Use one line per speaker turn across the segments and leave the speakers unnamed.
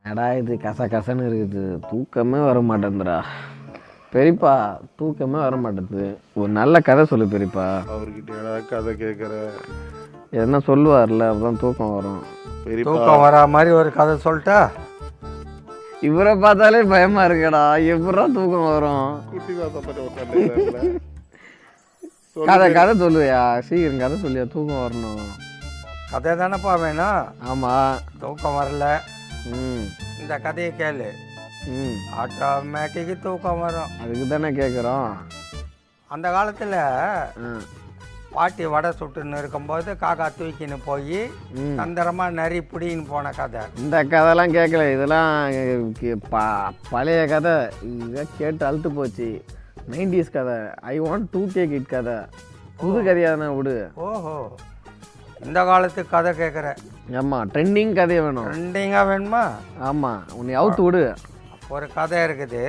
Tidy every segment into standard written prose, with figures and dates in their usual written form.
எடா இது கசன்னு இருக்குது, தூக்கமே வர மாட்டேங்குதுடா பெரியப்பா. தூக்கமே வர மாட்டேங்குது. ஒரு நல்ல கதை சொல்லு பெரியப்பா.
அவர்கிட்ட கதை கேட்குற
எதனா சொல்லுவார்ல, அப்பதான் தூக்கம் வரும்.
தூக்கம் வரா மாதிரி ஒரு கதை சொல்லிட்டா.
இவரை பார்த்தாலே பயமா இருக்கடா, எப்படா தூக்கம் வரும்?
குட்டி தான்
கதை சொல்லுவியா, சீக்கிரம் கதை சொல்லியா, தூக்கம் வரணும்.
கதை தானேப்பா வேணும்.
ஆமா,
தூக்கம் வரல, இந்த கதையை கேளு, ஆட்டோமேட்டிக்கு தூக்கம் வரும்.
அதுக்கு தானே கேட்குறோம்.
அந்த காலத்தில் பாட்டி வடை சுட்டுன்னு இருக்கும்போது காக்கா தூக்கின்னு போய் தந்திரமாக நரி பிடின்னு போன கதை.
இந்த கதைலாம் கேட்கல, இதெல்லாம் பழைய கதை. இதெல்லாம் கேட்டு அழுத்து போச்சு. 90s கதை. ஐ வாண்ட் 2K கிட் கதை. புது கதையாக தானே விடு.
ஓஹோ, இந்த காலத்துக்கு கதை கேட்குற.
ஆமாம், ட்ரெண்டிங் கதையை வேணும்.
ட்ரெண்டிங்காக வேணுமா?
ஆமாம், உன்னை அவுத்து விடு.
ஒரு கதை இருக்குது,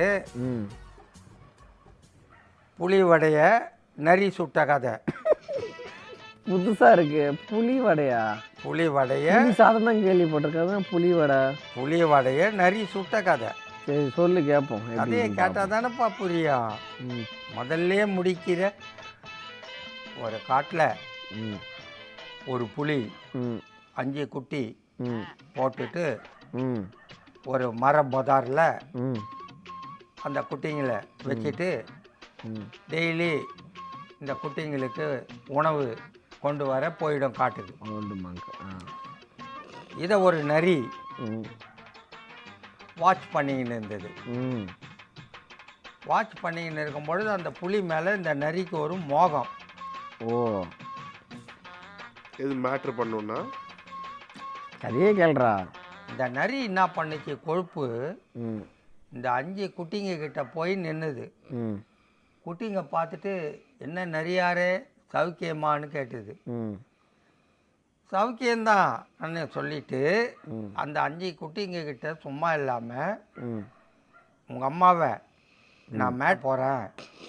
புலி வடைய நரி சுட்ட கதை.
புதுசாக இருக்கு. புலி வடையா?
புலி வடைய
சாதனம் கேள்விப்பட்டிருக்காது. புலி வடை,
புலி வடைய நரி சுட்ட கதை.
சரி சொல்லு கேட்போம்.
கதையை கேட்டால் தானேப்பா புரியும். முதல்ல முடிக்கிற ஒரு காட்டில் ஒரு புலி 5 குட்டி போட்டுட்டு ஒரு மர பொதாரில் அந்த குட்டிங்களை வச்சுட்டு டெய்லி இந்த குட்டிங்களுக்கு உணவு கொண்டு வர போயிடும் காட்டுக்கு. இதை ஒரு நரி வாட்ச் பண்ணிக்கின்னு இருந்தது. வாட்ச் பண்ணிக்கின்னு இருக்கும்பொழுது அந்த புலி மேலே இந்த நரிக்கு ஒரு மோகம்.
ஓ,
எது மேட்ரு பண்ணுன்னா
கதையே கேள்றா.
இந்த நரி என்ன பண்ணுச்சு, கொழுப்பு இந்த 5 குட்டிங்க கிட்ட போய் நின்றுது. குட்டிங்க பார்த்துட்டு என்ன நரியாரே சவுக்கியமானு கேட்டுது. சவுக்கியம்தான் சொல்லிட்டு அந்த 5 குட்டிங்க கிட்ட சும்மா இல்லாமல் உங்கள் அம்மாவை நான் மேட் போகிறேன்.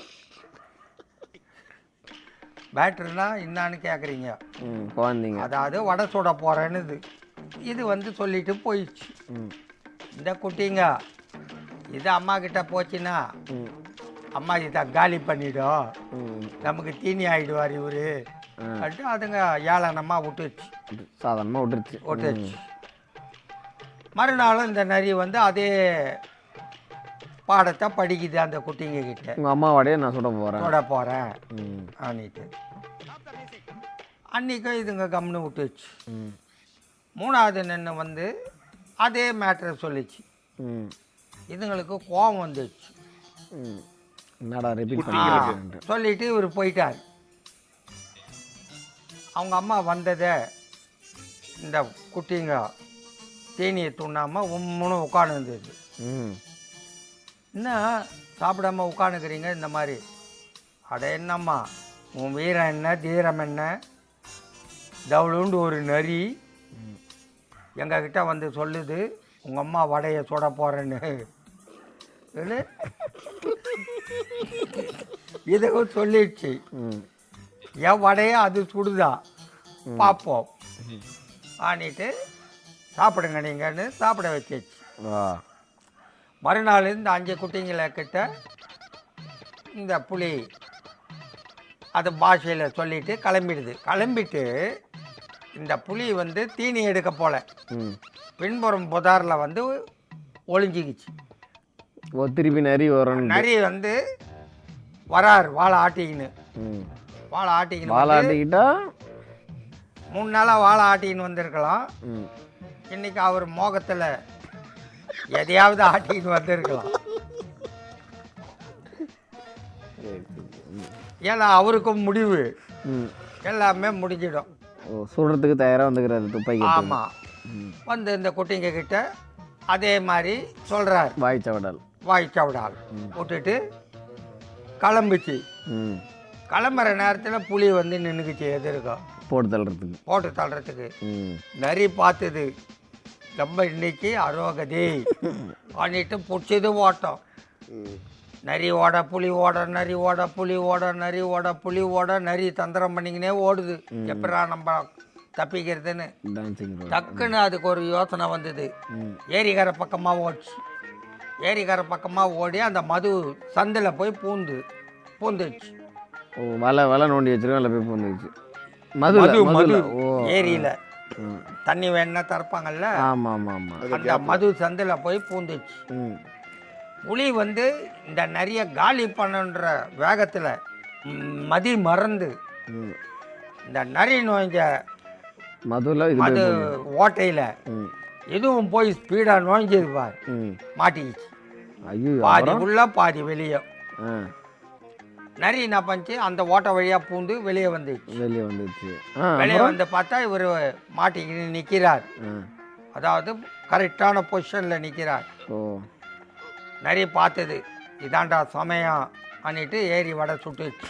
பேட்டரினா என்னான்னு கேட்குறீங்க, அதாவது வடை சுட போகிறேன்னு இது சொல்லிட்டு போயிடுச்சு. இந்த குட்டிங்க இது அம்மா கிட்ட போச்சுன்னா அம்மா இதை காலி பண்ணிடும், நமக்கு தீனி ஆகிடுவார் இவரு அப்படின்ட்டு அதுங்க ஏளனமாக விட்டுச்சு.
சாதாரணமாக விட்டுருச்சு.
மறுநாளும் இந்த நரி அதே பாடத்தை படிக்குது அந்த குட்டிங்க கிட்ட.
உங்கள் அம்மாவோடையே நான் சுட போகிறேன்
அன்னிட்டு. அன்றைக்கும் இதுங்க கம்னு விட்டுச்சு. 3வது நின்று அதே மேட்ரை சொல்லிச்சு. இதுங்களுக்கு கோபம் வந்துச்சு.
என்னடா ரிப்பீட் பண்ணி
சொல்லிட்டு இவர் போயிட்டார். அவங்க அம்மா வந்ததை இந்த குட்டிங்க தேனியை துண்ணாமல் உம்முன்னு உட்காந்துருந்தது. என்ன சாப்பிடாம உட்காந்துக்கிறீங்க இந்த மாதிரி? அட என்னம்மா உன் வீரம் என்ன தீரம் என்ன, தவளுண்டு ஒரு நரி எங்ககிட்ட சொல்லுது உங்கள் அம்மா வடையை சுட போகிறேன்னு. இதுவும் சொல்லிடுச்சு. என் வடையை அது சுடுதா பார்ப்போம் ஆனிட்டு சாப்பிடுங்க நீங்கன்னு சாப்பிட வச்சிச்சு. மறுநாள் இந்த 5 குட்டிங்களை கிட்ட இந்த புலி அது பாஷையில் சொல்லிட்டு கிளம்பிட்டு இந்த புலி தீனி எடுக்க போல பின்புறம் புதாரில் ஒளிஞ்சிக்கிச்சு.
திருப்பி நரி வரும்.
நரி வரார் வாழை ஆட்டிக்கின்னு. வாழை ஆட்டிக்கிட்டா 3 நாளாக வாழை ஆட்டிக்கின்னு வந்திருக்கலாம். இன்னைக்கு அவர் மோகத்தில் எதையாவது ஆட்டிக்கிட்டு வந்திருக்கலாம். ஏன்னா அவருக்கும் முடிவு எல்லாமே முடிஞ்சிடும்.
சொல்கிறதுக்கு தயாராக வந்துக்கிறாரு துப்பாக்கி.
ஆமாம், இந்த குட்டிங்க கிட்ட அதே மாதிரி சொல்கிறார். வாய்ச்சவடால் விட்டுட்டு கிளம்பிச்சு. கிளம்புற நேரத்தில் புலி நின்றுக்குச்சு எதிர்க்கும் போட்டு தள்ளுறதுக்கு. நரி பார்த்தது ரொம்ப இன்னைக்கு அரோகதி பண்ணிட்டு பிடிச்சது ஓட்டம். நரி ஓட புலி ஓட, நரி ஓட புலி ஓட, நரி ஓட புலி ஓட, நரி தந்திரம் பண்ணிக்கினே ஓடுது. எப்படா நம்ம தப்பிக்கிறதுன்னு.
Dancing road.
டக்குன்னு அதுக்கு ஒரு யோசனை வந்தது.
ம்.
ஏரிக்கரை பக்கமாக ஓடிச்சு. ஏரிக்கரை பக்கமாக ஓடி அந்த மது சந்தில் போய் பூந்துச்சு.
ஓ வலை நோண்டி வச்சிருக்கோம், அதில் போய் பூந்துச்சு.
மது
மதுல. ஓ
ஏரியில் தண்ணி வேணா திறப்பாங்கல்ல,
ஆமாம் ஆமாம் ஆமாம்.
அந்த மது சந்தில் போய் பூந்துச்சு.
ம்.
புலி வந்து இந்த நிறைய காலி பண்ணுன்ற வேகத்தில் மதி மறந்து
ம்.
இந்த நரி நோய்ஞ்ச
மதுல இது
மது ஓட்டையில்
ம்.
இதுவும் போய் ஸ்பீடாக நோய்ஞ்சது பார்,
ம்.
மாட்டிக்கிச்சு.
ஐயோ
பாதி உள்ள பாதி வெளியே.
ஆ
நரி என்ன பண்ணிச்சு, அந்த ஓட்டை வழியாக பூந்து வெளியே வந்துச்சு.
வெளியே வந்துச்சு.
வெளியே வந்து பார்த்தா இவர் மாட்டிக்கிட்டு நிற்கிறார்.
ஆ.
அதாவது கரெக்டான பொசிஷனில் நிற்கிறார்.
ஓ
நரி பார்த்தது, இதாண்டா சமயம் பண்ணிட்டு ஏறி வடை சுட்டுச்சு.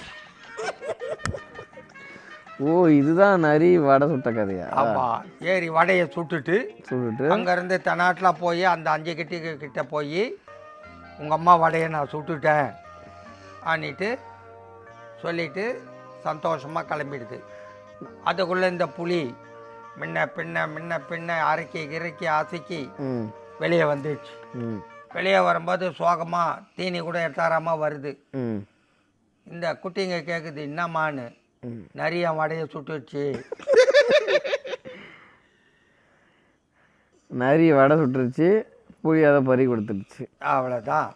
ஓ இதுதான் நரி வடை சுட்ட கதையா?
ஆமாம், ஏறி வடையை சுட்டுட்டு
சுட்டுட்டு
அங்கேருந்து தென்னாட்டில் போய் அந்த 5 கிட்ட போய் உங்கள் அம்மா வடையை நான் சுட்டுட்டேன் அன்னிட்டு சொல்லிட்டு சந்தோஷமாக கிளம்பிடுது. அதுக்குள்ளே இந்த புலி முன்ன பின்ன அரைக்கி அசைக்கி
ம்.
வெளியே வந்துடுச்சு.
ம்.
வெளியே வரும்போது சோகமாக தீனி கூட எட்டாராமல் வருது.
ம்.
இந்த குட்டிங்க கேட்குது, என்னம்மான்னு.
ம்.
நிறைய வடையை சுட்டுச்சு.
நரி வடை சுட்டுருச்சு, புளி அதை பறி கொடுத்துருச்சு.
அவ்வளோதான்.